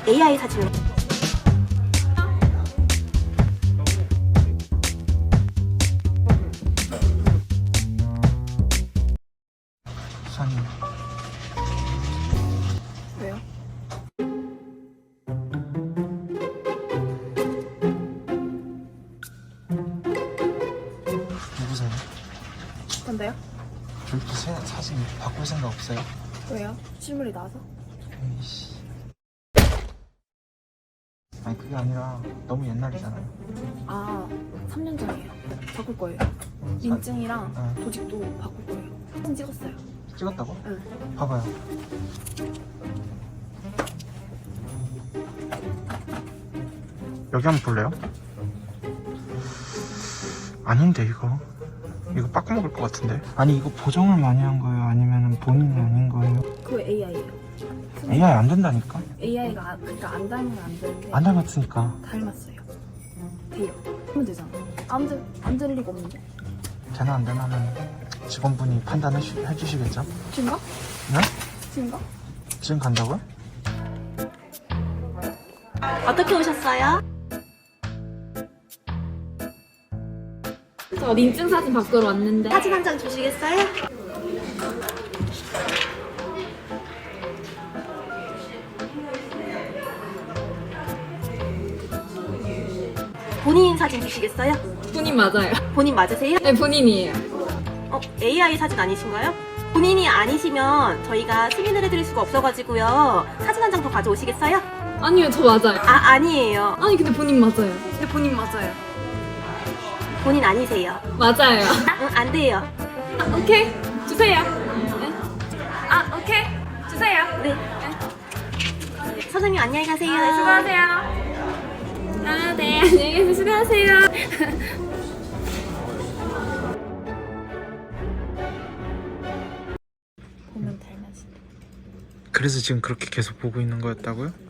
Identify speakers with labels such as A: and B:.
A: AI 사진으로.
B: 수사님.
A: 왜요?
B: 누구세요?
A: 뭔데요?
B: 저희도 사진 바꿀 생각 없어요?
A: 왜요? 실물이 나와서?
B: 에이씨. 아니 그게 아니라 너무 옛날이잖아요.
A: 아, 3년 전이에요. 바꿀 거예요. 인증이랑
B: 네.
A: 조직도 바꿀 거예요. 사진 찍었어요.
B: 찍었다고?
A: 응.
B: 봐봐요. 여기 한번 볼래요? 아닌데 이거 빠꾸 먹을 것 같은데. 아니 이거 보정을 많이 한 거예요? 아니면 본인이 아닌 거예요?
A: 그거 AI예요.
B: AI 안 된다니까?
A: AI가 그러니까 안 닮으면 안 되는데
B: 안 닮았으니까.
A: 닮았어요. 돼요. 하면 되잖아. 안 될 리가 없는데.
B: 되나 안 되나는 직원분이 판단해 주시겠죠?
A: 지금 가?
B: 네?
A: 지금 가?
B: 지금 간다고요?
A: 어떻게 오셨어요?
C: 저 인증 사진 바꾸러 왔는데
A: 사진 한 장 주시겠어요? 본인 사진 주시겠어요?
C: 본인 맞아요.
A: 본인 맞으세요?
C: 네, 본인이에요.
A: AI 사진 아니신가요? 본인이 아니시면 저희가 승인을 해드릴 수가 없어가지고요. 사진 한 장 더 가져오시겠어요?
C: 아니요, 저 맞아요.
A: 아니에요.
C: 아니 근데 본인 맞아요.
A: 근데 본인 맞아요. 본인 아니세요.
C: 맞아요.
A: 응, 안 돼요.
C: 아, 오케이 주세요. 네. 아 오케이 주세요.
A: 네. 선생님 안녕히 가세요.
C: 네, 수고하세요. 아 네, 안녕히 계세요. 수고하세요.
A: 보면 닮았어.
B: 그래서 지금 그렇게 계속 보고 있는 거였다고요?